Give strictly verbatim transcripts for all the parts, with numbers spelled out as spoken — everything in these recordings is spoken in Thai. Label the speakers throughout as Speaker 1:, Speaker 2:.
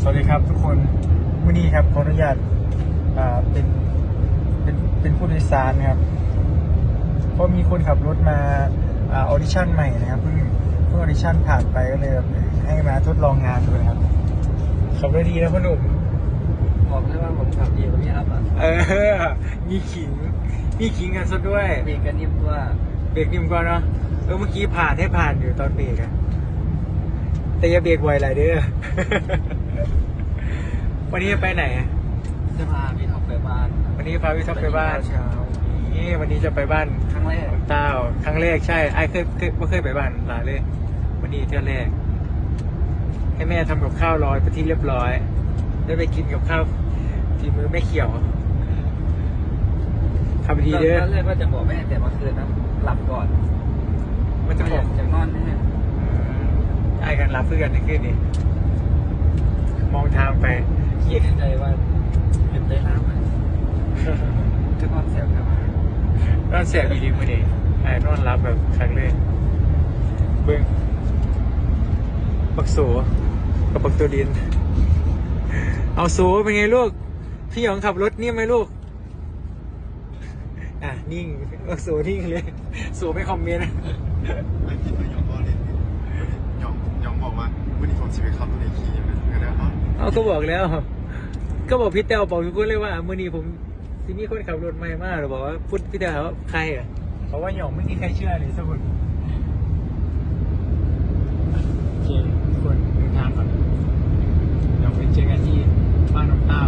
Speaker 1: วัสดีครับทุกคนวันนี้ครับขออนุญาตอ่าเป็นเป็นเป็นผู้โดยสารครับเพราะมีคนขับรถมาอ่าออดิชั่นใหม่นะครับเพิ่งเพิ่งออดิชั่นผ่านไปก็เลยแบบให้มาทดลองงานดูนะครับขับได้ดีนะพ่อหนุ่ม
Speaker 2: บอกเลยว่าผมขับดีกว่าพี่อัพอ่ะ
Speaker 1: เออมีขิงมีขิงกันซะด้วย
Speaker 2: เบรกกันนิ่มกว่า
Speaker 1: เบรกนิ่มก่อนเนาะเออเมื่อกี้ผ่านให้ผ่านอยู่ตอนเบรกอะแต่อย่าเบรกไวหลายเด้อ วันนี้จะไปไหนอะ
Speaker 2: จะพาพี่ท็อปไปบ้าน
Speaker 1: วันนี้พาพี่ท็อปไปบ้าน
Speaker 2: เช้า
Speaker 1: นี่วันนี้จะไปบ้าน
Speaker 2: ครั้งแรก
Speaker 1: เต้าครั้งแรกใช่ไอ้เคยเคยไม่เคยไปบ้านหลานเลย วันนี้เที่ยวแรก ให้แม่ทำกับข้าวรอไปที่เรียบร้อย ได้ไปกินกับข้าวทีมือไม่เขียวทำดีเด้อ
Speaker 2: ตอนแรกว่าจะบอกแม่แต่เมื่อคืนนะหลับก่อน
Speaker 1: มันจะบอก
Speaker 2: จะนอนแน่
Speaker 1: ไอ้กันรับเพื่อนในคืนนี้มองทางไป
Speaker 2: คิดในใจว่าเป็นได้น้ำไหมจะนอนแสบครับ
Speaker 1: นอนเสียบีดีมือดีไอ้นอนรับแบบครั้งเลยเบิ้งปักโสกับปักตัวดิน เอาโสเป็นไงลูกพี่หยองขับรถนิ่มไหมลูกอ่ะนิ่งปักโสนิ่งเลยโสไม่คอมเมนต์
Speaker 3: ไม่คิดว่าหยองก็เล่นหยองหยองบอกว่าวันนี้ผมจะไปขับรถในคีย์นะก็ได้อ๋อ
Speaker 1: เอาก็บอกแล้ว ก็บอกพี่เต้าบอกทุกคนเลยว่ามื่อนี้ผมที่นี่คนขับรถใหม่มากเราบอกว่าพูดพี่เต้าว่าใครอ่ะเพราะว่าหยองไม่มีใครเชื่อเลยสักคนโอเคทุกคนเดินทางก่อนเดี๋ยวไปเจอกันที่บ้านน้องเต้า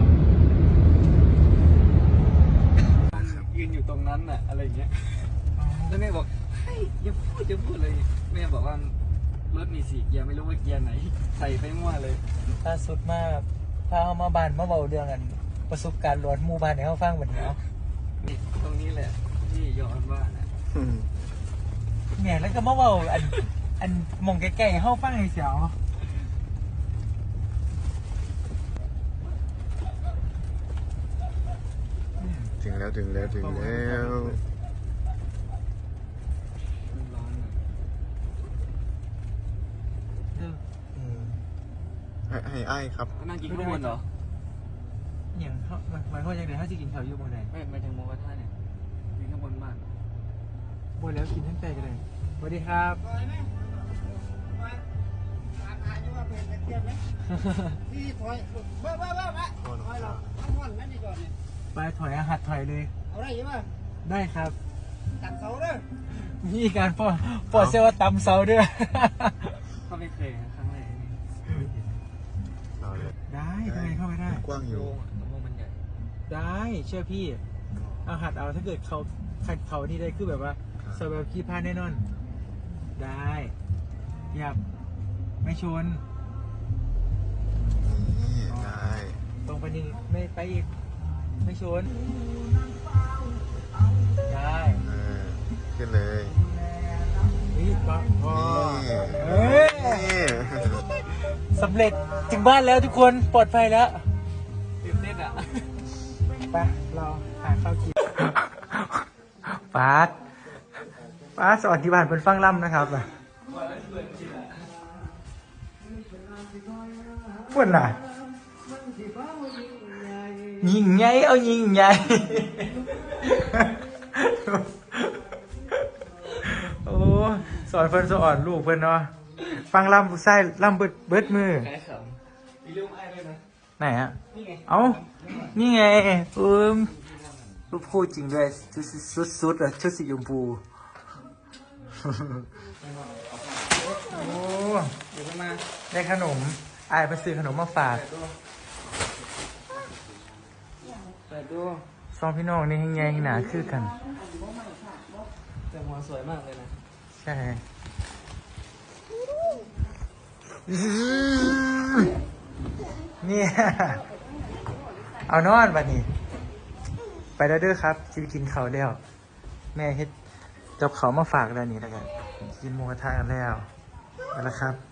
Speaker 1: ยืนอยู่ตรงนั้นน่ะอะไรอย่างเงี้ย
Speaker 2: แล้วแม่บอกเฮ้ยอย่าพูดอย่าพูดเลยแม่บอกว่ารถมีสี่เกียร์ไม่รู้ว่าเกียร์ไหนใส่ไปมั่วเลย
Speaker 1: ล่าสุดมาพาเขามาบ้านมาเบาเรื่องกันประสบการณ์หลอนหมู่บ้านให้เขาฟังแบบนี้เอา
Speaker 2: นี่ตรงนี้แหละที่ย้อนว่านะ
Speaker 1: เนี่ยแล้วก็มาเบาอันอันมองใกล้ๆเขาฟังให้เสียว
Speaker 3: ถึงแล้วถึงแล้วถึงแล้ว
Speaker 2: มันร้อนอะ
Speaker 3: ให้ให้ไอ้ครับ
Speaker 2: นั่งกินข้างบนเหรอ
Speaker 1: อย่างเขามันมันเขาจะเดี๋ยวเขาจะกินข้าวอยู่บนไหน
Speaker 2: ไม่ไม่ถึงโมกระทะเนี่ยกินข้างบนบ้าน
Speaker 1: บนแล้วกินทั้งใจกันเลยสวัสดีครับ
Speaker 4: พี่ถอยเบ้อเบ้อเบ้อมาถอยเราเอาห่อนนั่นดีก่อนเนี่ย
Speaker 1: ไปถอยอาหัดถอยเลย
Speaker 4: เอาได้ยังไง
Speaker 1: ได้ครับ
Speaker 4: ตัดเสาเด้อ
Speaker 1: มีการปอปอดเซลว่าตำเสาด้วย
Speaker 2: ก็ไม่เคยนะครั้งแรกนี่
Speaker 3: เอาเลย
Speaker 1: ได้ทำไมเข้าไม่ได้
Speaker 3: กว้างอยู่
Speaker 2: โล่งอะโล่งมันใหญ่
Speaker 1: ได้เชื่อพี่เอาหัดเอาถ้าเกิดเขาขัดเขานี่ได้คือแบบว่าสแบบขี้พลาดแน่นอน ได้หยับไม่ชน
Speaker 3: นี่ได้
Speaker 1: ตรงไปนี่ไม่ไปอีกไม่ชน ได้
Speaker 3: เออขึ้นเลย
Speaker 1: นี่ปะพอ
Speaker 3: นี่
Speaker 1: เอ้ย
Speaker 3: นี่
Speaker 1: สำเร็จถึงบ้านแล้วทุกคนปลอดภัยแล้ว
Speaker 2: ตื่นเต้นอ่ะ
Speaker 1: ไปเราหาข้าวกินปาดปาดสวัสดีบ้านเป็นฟังล่ำนะครับฝุ่นน่ะยิงไงเอายิงไงโอ้สอนเพิ่นสอนลูกเพิ่นเนาะฟังล่ำผู้ใส่ล่ำเบิดเบิดมือ
Speaker 2: คล้ายขำมีรูปไอ้ด้วยนะ
Speaker 1: ไหนฮะเอ้านี่ไงเออรูปคู่จริงด้วยชุดชุดชุดอะชุดสีชมพูโอ้
Speaker 2: เดี๋ยวมา
Speaker 1: ได้ขนมอายไปซื้อขนมมาฝาก
Speaker 2: เปิดดู
Speaker 1: สองพี่น้องนี่ยังไงหนาคือกัน
Speaker 2: แต่หัวสวยมากเลยนะ
Speaker 1: ใช่เนี่ยเอานอนบัดนี้ ไปแล้วเด้อครับจะไปกินข้าวแล้ว แม่เฮ็ดกับเขาวมาฝากแล้วนี่แล้วกันกินหมูกระทะกันแล้วไปแล้วครับ